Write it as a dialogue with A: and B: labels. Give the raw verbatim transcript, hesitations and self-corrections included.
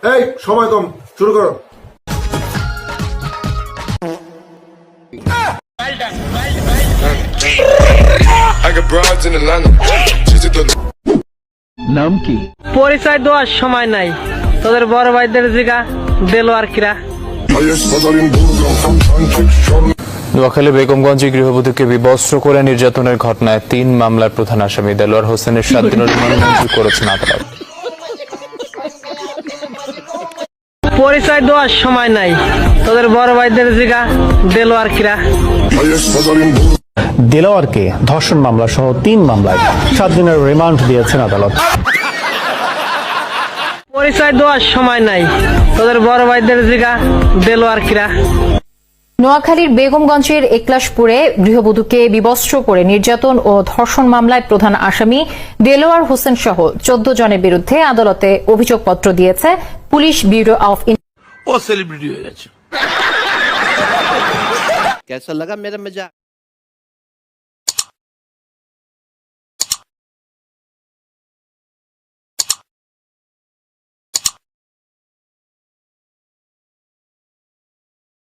A: এই সময় কম, শুরু করো।
B: নাম কি?
C: পরিচয় দেওয়ার সময় নাই, তোদের বড় ভাইদের জিগা দেলোয়ার কিরা।
D: নোয়াখালী বেগমগঞ্জে গৃহবধূকে বিবস্ত্র করে নির্যাতনের ঘটনায় তিন মামলার প্রধান আসামি দেলোয়ার হোসেনের সাত দিনের রিমান্ড মঞ্জুর করেছেন আদালত।
C: পরিচয় দেওয়ার সময় নাই, তোদের বড় ভাইদের জিগা দেলোয়ার কিরা।
E: দেলোয়ারকে ধর্ষণ মামলা সহ তিন মামলায় সাত দিনের রিমান্ড দিয়েছেন আদালত।
C: পরিচয় দেওয়ার সময় নাই, তোদের বড় ভাইদের জিগা দেলোয়ার কিরা।
F: নোয়াখালীর বেগমগঞ্জের একলাশপুরে গৃহবধূকে বিবস্ত্র করে নির্যাতন ও ধর্ষণ মামলায় প্রধান আসামি দেলোয়ার হোসেন সহ চোদ্দ জনের বিরুদ্ধে আদালতে অভিযোগপত্র দিয়েছে পুলিশ ব্যুরো অফ।
B: ও সেলিব্রিটি হয়ে গেছে।
G: कैसा लगा मेरा मजाक?